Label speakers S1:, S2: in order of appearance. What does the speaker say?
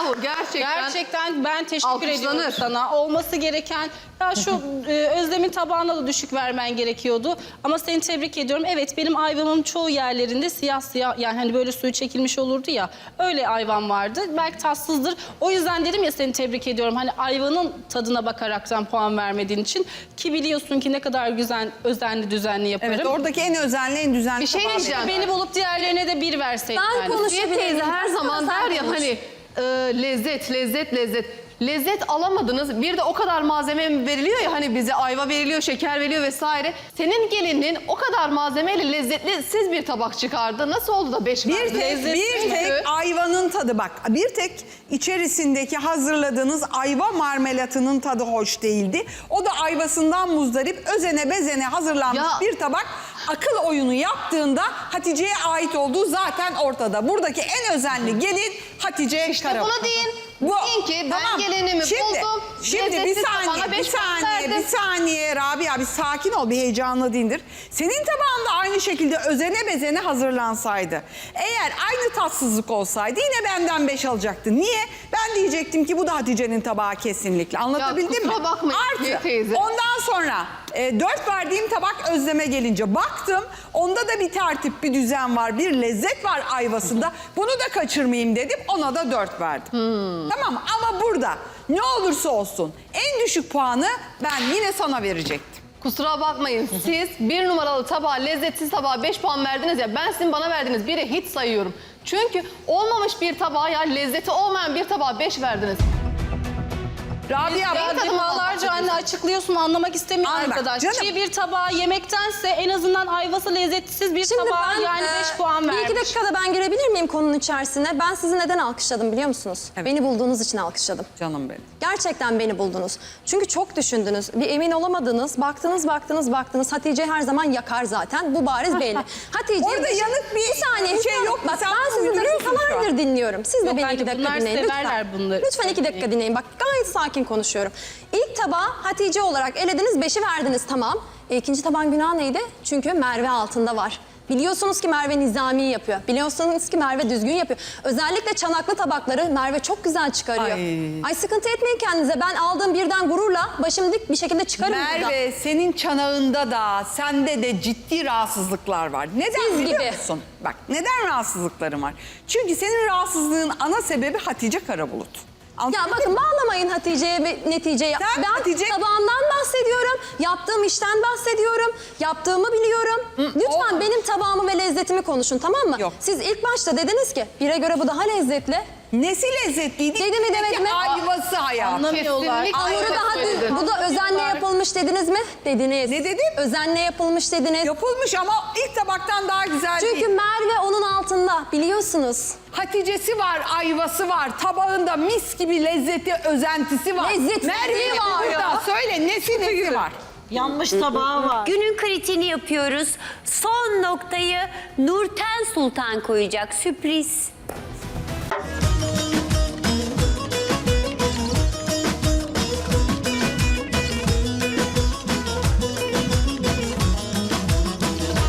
S1: Bravo gerçekten.
S2: Gerçekten ben teşekkür ediyorum
S1: Alkışlanır.
S2: sana. Olması gereken, ya şu Özlem'in tabağına da düşük vermen gerekiyordu. Ama seni tebrik ediyorum. Evet, benim ayvamın çoğu yerlerinde siyah siyah, yani hani böyle suyu çekilmiş olurdu ya. Öyle ayvam vardı. Belki tatsızdır. O yüzden dedim ya, seni tebrik ediyorum. Hani ayvanın tadına bakaraktan puan vermediğin için. Ki biliyorsun ki ne kadar güzel, özenli düzenli yaparım.
S3: Evet, oradaki en özenli, en düzenli
S1: Bir şey
S3: tabağı
S1: diyeceğim.
S2: Beni bulup diğerlerine de 1 verseydin.
S4: Ben
S2: yani.
S4: konuşayım.
S1: Asiye teyze her zaman der ya hani lezzet, lezzet, lezzet. Lezzet alamadınız. Bir de o kadar malzeme veriliyor ya, hani bize ayva veriliyor, şeker veriliyor vesaire. Senin gelinin o kadar malzemeyle lezzetli siz bir tabak çıkardı. Nasıl oldu da 5 verdi?
S3: Bir tek ayvanın tadı, bak, bir tek içerisindeki hazırladığınız ayva marmelatının tadı hoş değildi. O da ayvasından muzdarip, özene bezene hazırlanmış
S1: Ya.
S3: bir tabak. Akıl oyunu yaptığında Hatice'ye ait olduğu zaten ortada. Buradaki en özenli gelin Hatice Karabulut.
S1: Bunu deyin. Deyin ki ben gelinimi buldum.
S3: Şimdi bir
S1: lezzetsiz tabağına
S3: saniye, bir
S1: 5 puan
S3: saniye,
S1: verdim.
S3: bir saniye Rabia, bir sakin ol, bir heyecanlı dindir. Senin tabağında aynı şekilde özene bezene hazırlansaydı, eğer aynı tatsızlık olsaydı yine benden 5 alacaktın. Niye? Ben diyecektim ki bu da Hatice'nin tabağı kesinlikle. Anlatabildim mi?
S1: kusura bakmayın
S3: Artı,
S1: teyze.
S3: ondan sonra 4 verdiğim tabak Özlem'e gelince baktım, onda da bir tertip, bir düzen var, bir lezzet var ayvasında. Bunu da kaçırmayayım dedim, ona da 4 verdim. Tamam mı? Ama burada ne olursa olsun en düşük puanı ben yine sana verecektim.
S1: Kusura bakmayın, siz bir numaralı tabağa, lezzetsiz tabağa 5 puan verdiniz ya, ben sizin bana verdiğiniz 1'i hiç sayıyorum. Çünkü olmamış bir tabağa, ya lezzeti olmayan bir tabağa 5 verdiniz.
S3: Rabia,
S2: Ya defalarca anne açıklıyorsun, anlamak istemiyor
S3: Anla,
S2: arkadaş.
S3: canım.
S2: Çiğ bir tabağı yemektense en azından ayvası lezzetsiz bir
S4: Şimdi
S2: tabağa
S4: ben
S2: yani 5 puan
S4: bir
S2: vermiş.
S4: iki dakikada ben girebilir miyim konunun içerisine? Ben sizi neden alkışladım biliyor musunuz?
S3: Evet.
S4: Beni bulduğunuz için alkışladım.
S3: canım benim.
S4: Gerçekten beni buldunuz. Çünkü çok düşündünüz. Bir emin olamadınız. Baktınız. Hatice her zaman yakar zaten. Bu bariz belli. Hatice...
S3: Orada yanık bir
S4: saniye.
S3: şey yok mu?
S4: Bak
S3: Sen
S4: ben sizi
S3: uyduruyorsun şu an.
S4: dakikalardır dinliyorum. Siz de
S2: Yok
S4: beni
S2: anne,
S4: 2 dakika
S2: bunlar
S4: dinleyin
S2: severler
S4: lütfen.
S2: bunları.
S4: Lütfen 2 dakika dinleyin. Bak gayet sakin konuşuyorum. İlk tabağı Hatice olarak elediniz, 5'i verdiniz, tamam. İkinci tabağın günahı neydi? Çünkü Merve altında var. Biliyorsunuz ki Merve nizami yapıyor. Biliyorsunuz ki Merve düzgün yapıyor. Özellikle çanaklı tabakları Merve çok güzel çıkarıyor. Ay sıkıntı etmeyin kendinize. Ben aldığım birden gururla başım dik bir şekilde çıkarım burada.
S3: Merve, senin çanağında da sende de ciddi rahatsızlıklar var. Neden
S4: Siz
S3: biliyor
S4: gibi.
S3: musun? Bak, neden rahatsızlıklarım var? Çünkü senin rahatsızlığın ana sebebi Hatice Karabulut.
S4: Ya
S3: Anladın
S4: bakın
S3: mı?
S4: bağlamayın Hatice'ye ve neticeye.
S3: Sen
S4: Ben
S3: Hatice-
S4: tabağımdan bahsediyorum. Yaptığım işten bahsediyorum. Yaptığımı biliyorum. Lütfen
S3: olmaz.
S4: benim tabağımı ve lezzetimi konuşun, tamam mı?
S3: Yok.
S4: Siz ilk başta dediniz ki bire göre bu daha lezzetli.
S3: Nesi lezzetliydi?
S4: Dedi mi, demedi mi?
S3: Ayvası hayatım.
S2: Anlamıyorlar.
S1: Kesinlikle.
S4: Hamuru
S1: Evet,
S4: daha
S1: söyledim.
S4: bu da özenle yapılmış dediniz mi? Dediniz.
S3: Ne dedim?
S4: Özenle yapılmış dediniz.
S3: Yapılmış ama ilk tabaktan daha güzel
S4: Çünkü
S3: değil.
S4: Merve onun altında, biliyorsunuz.
S3: Hatice'si var, ayvası var. Tabağında mis gibi lezzeti, özentisi var.
S4: Lezzeti
S3: Merve'nin
S4: var
S3: burada.
S4: ya.
S3: Söyle, nesi var?
S5: Yanmış tabağı var. Günün kritiğini yapıyoruz. Son noktayı Nurten Sultan koyacak. Sürpriz.